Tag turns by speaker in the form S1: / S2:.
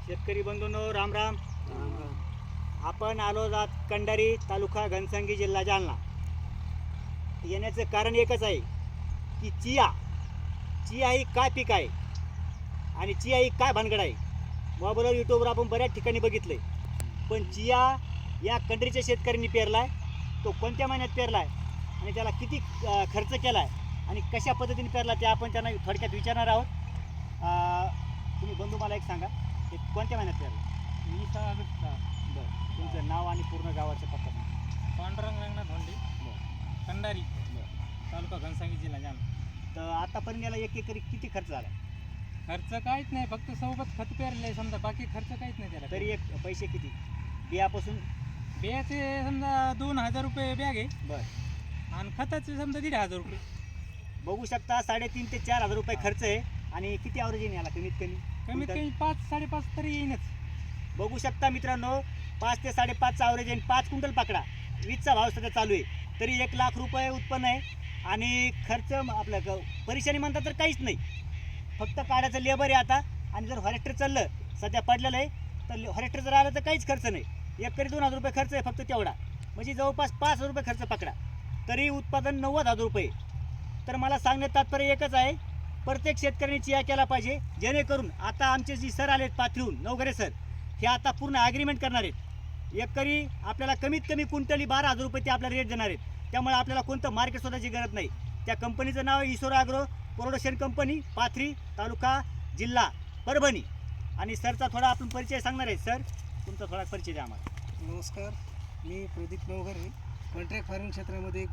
S1: शेतकरी बंधूंनो, राम राम. आपण आलो आहोत कंडारी, तालुका घनसंगी, जिल्हा जालना. येण्याचं कारण एकच आहे की चिया ही काय पीक आहे आणि चिया ही काय भानगड आहे. मोबाईलवर यूट्यूबवर आपण बऱ्याच ठिकाणी बघितलं आहे, पण चिया या कंट्रीच्या शेतकऱ्यांनी पेरला आहे. तो कोणत्या महिन्यात पेरला आहे आणि त्याला किती खर्च केला आहे आणि कशा पद्धतीने पेरला ते आपण त्यांना थोडक्यात विचारणार आहोत. तुम्ही बंधू मला एक सांगा, ते कोणत्या महिन्यात पेरला?
S2: 20 ऑगस्ट.
S1: बरं, तुमचं नाव आणि पूर्ण गावाचं पत्ता सांगा.
S2: पांडुरंग रंगनाथ धोंडे,
S1: बरं
S2: कंडारी,
S1: बरं.
S2: तालुका घनसांगी, जिल्हा जालना.
S1: तर आतापर्यंत याला एक एकरी किती खर्च झाला?
S2: खर्च काहीच नाही, फक्त सोबत खत पेरले समजा, बाकी खर्च काहीच नाही त्याला.
S1: तरी एक पैसे किती बियापासून?
S2: बियाचे समजा 2000 रुपये बॅग आहे
S1: बरं,
S2: आणि खताचे समजा 1500 रुपये.
S1: बघू शकता 3,500 ते 4,000 रुपये खर्च आहे. आणि किती ॲव्हरेज येईल याला कमीत कमी?
S2: कमीत कमी 5-5.5 तरी येईनच.
S1: बघू शकता मित्रांनो, 5 ते 5.5चा ॲव्हरेज आहे. 5 क्विंटल पकडा, 20चा भाव सध्या चालू आहे, तरी 1 लाख रुपये उत्पन्न आहे. आणि खर्च आपलं परेशानी म्हणता तर काहीच नाही, फक्त काढायचं लेबर आहे आता. आणि जर हॉरेस्टर चाललं, सध्या पडलेलं आहे, तर हॉरेस्टर जर आलं तर काहीच खर्च नाही. एकरी 2,000 रुपये खर्च आहे फक्त तेवढा, म्हणजे जवळपास 5,000 रुपये खर्च पकडा, तरी उत्पादन 90,000 रुपये. तर मला सांगण्यात तात्पर्य एकच आहे, प्रत्येक शेतकऱ्यांनी चिया केला पाहिजे, जेणेकरून आता आमचे जी सर आलेत पाथरीहून, नवघरे सर, हे आता पूर्ण ॲग्रीमेंट करणार आहेत. एकरी आपल्याला कमीत कमी क्विंटली 12,000 रुपये ते आपल्याला रेट देणार आहेत. त्यामुळे आपल्याला कोणतं मार्केट शोधायची गरज नाही. त्या कंपनीचं नाव आहे Ishwar agro production company, Pathri, तालुका, जिल्हा परभणी. आणि सरचा थोडा आपण परिचय सांगणार आहे. सर, तुमचा थोडा परिचय द्या आम्हाला.
S3: नमस्कार, मी प्रदीप नवघरे. कॉन्ट्रॅक्ट फार्मिंग क्षेत्रामध्ये